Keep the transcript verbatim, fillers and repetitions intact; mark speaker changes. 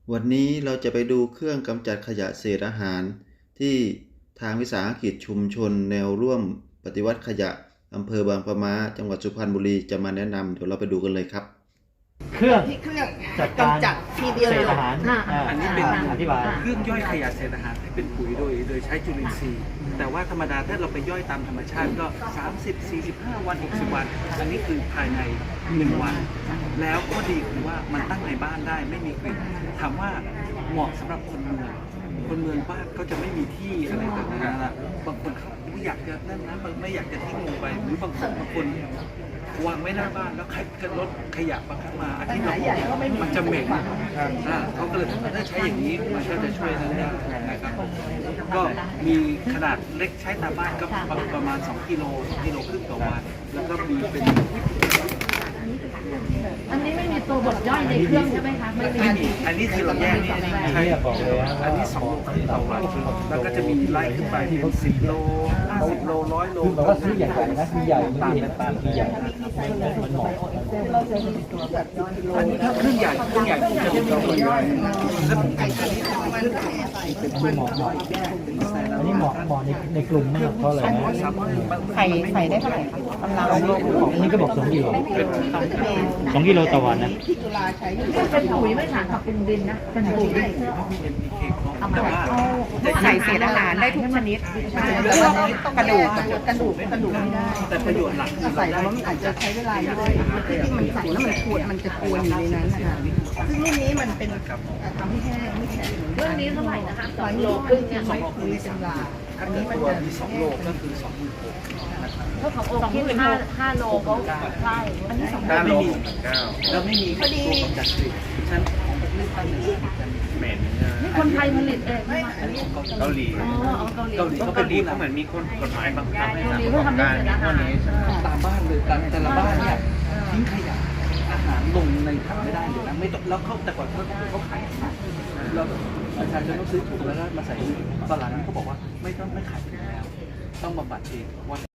Speaker 1: วันนี้เราจะไปดูเครื่องกำจัดขยะเศษอาหารที่ทางวิสาหกิจชุมชนแนวร่วมปฏิวัติขยะอำเภอบางปะมาจังหวัดสุพรรณบุรีจะมาแนะนำเดี๋ยวเราไปดูกันเลยครับ
Speaker 2: เครื่อง
Speaker 3: ที่เครื่อง
Speaker 2: จัดการ
Speaker 3: กำจัดทีเดียว
Speaker 2: เศ
Speaker 3: เล
Speaker 2: ษ
Speaker 3: ย
Speaker 2: อาหารอ่า
Speaker 4: อันนี้เป็น
Speaker 2: อธิบาย
Speaker 4: เครื่องย่อยขยะเศษอาหารให้เป็นปุ๋ยโดยโดยใช้จุลินทรีย์แต่ว่าธรรมดาถ้าเราไปย่อยตามธรรมชาติก็สามสิบ สี่สิบห้าวันหกสิบวันอันนี้คือภายในหนึ่งวันแล้วก็ดีคือว่ามันตั้งในบ้านได้ไม่มีกลิ่นถามว่าเหมาะสำหรับคนเมืองคนเมืองบ้านก็จะไม่มีที่อะไรแบบนั้นนะบางคนเขาอยากจะนั่นนะบางไม่อยากจะทิ้งลงไปหรือบางคนบางคนวางไว้หน้าบ้านแล้วใครก็รถขยะบางครั้งมาอาทิตย์ละมันจะเหม็นอ่าเขาก็เลยถ้าใช้อย่างนี้มันก็จะช่วยนั่นได้นะครับก็มีขนาดเล็กใช้ตามบ้านก็ประมาณสองกิโลสองกิโลครึ่งต่อวันแล้วก็มีเป็น
Speaker 5: อันนี้ไม่มีตัวบดย่อยในเครื่องใช่ไหมคะไม่มี
Speaker 4: ไม่มีอันนี้คือเราแยกนี่ใช่บอกเลยอันนี้สองโลต่อวันแล้วก็จะมีไล่ขึ้นไปเป็นสิบโลห้าสิบโลร้อยโล
Speaker 2: คือแบบว่าซื้อใหญ่ๆนะมีใหญ่ตามตามใหญ่มันเหมาะ
Speaker 4: อันนี้ถ้าเครื่องใหญ่เครื่องใหญ่จะเป็นตัวย่อย
Speaker 2: คือเหมาะเหมาะอันนี้เหมาะเหมาะในในกลุ่มมากเพราะอะไรนะ
Speaker 3: ไข่ไข่ได้เท่าไหร่คะกำลัง
Speaker 2: อันนี้ก็บอกสองกิโลสองกิโลต่อวันนะ
Speaker 3: ที่จุฬาใช้อยู่
Speaker 5: เป็นปุ๋ยไม่ผ่านกับเป็นดินนะเป็นปุ๋ย
Speaker 4: แต่ว่า
Speaker 3: ใส่เศษอาหารได้ทุกชนิดแต่ว่ากระดูกกระดูกกระดูกไม่ได้
Speaker 4: แต่ประโยชน์หลักคือ
Speaker 3: ใส่แล้วมันอาจจะใช้เวลาเยอะที่ที่มันใส่แล้วมันขวดมันจะกวนอยู่ในนั้นนะคะซึ่งรุ่นนี้มันเป็นทำให้แห้งไม่แข็ง
Speaker 5: เรื่องนี้เท่าไหร่นะคะส
Speaker 3: ส
Speaker 5: อ
Speaker 3: อง ง
Speaker 5: โล
Speaker 3: โล
Speaker 5: ค
Speaker 3: ค
Speaker 5: รึ่
Speaker 3: รึ่
Speaker 5: ง
Speaker 3: ง
Speaker 5: เนี่
Speaker 3: เนี่ย ยไม่คุยเป็นลา
Speaker 4: ถ้า
Speaker 3: อัน
Speaker 4: มี
Speaker 3: นี้มัน
Speaker 4: ตัว
Speaker 3: จะ
Speaker 4: มีสองโลก็คือสองหมื่นหกนะครับ
Speaker 5: ถ้าขององค์ที่ห้าห้าโลเขาใช่อันนี้สอง
Speaker 4: ถ้าไม่มีแล้วไม่มีตัวกำจัดกลิ่นฉันเหม็น
Speaker 5: นี่คนไทยผลิตเองใช่ไหม
Speaker 4: อันนี้ของเกาหลี
Speaker 5: อ๋อเอาเกาหลี
Speaker 4: เกาหลี
Speaker 5: เกา
Speaker 4: เขา
Speaker 5: ห
Speaker 4: เป็น
Speaker 5: ลี
Speaker 4: ผู้นำเหมือนมีคนกฎหมายบังคับให้
Speaker 5: เกาหลี
Speaker 4: ทำ
Speaker 5: เขาทำเรื่องเศษอาหาร
Speaker 4: ตามบ้านเลยตามแต่ละบ้านเนี่ยทิ้งขยะอาหารลงในถังไม่ได้เลยนะไม่ต้องแล้วเขาแต่ก่อนเขาเขาขายเราประชาชนต้องซื้อถุงแล้วก็มาใส่ตอนหลังเขาบอกว่าไม่ต้องไม่ขายถุงแล้วต้องบำบัดเองว่า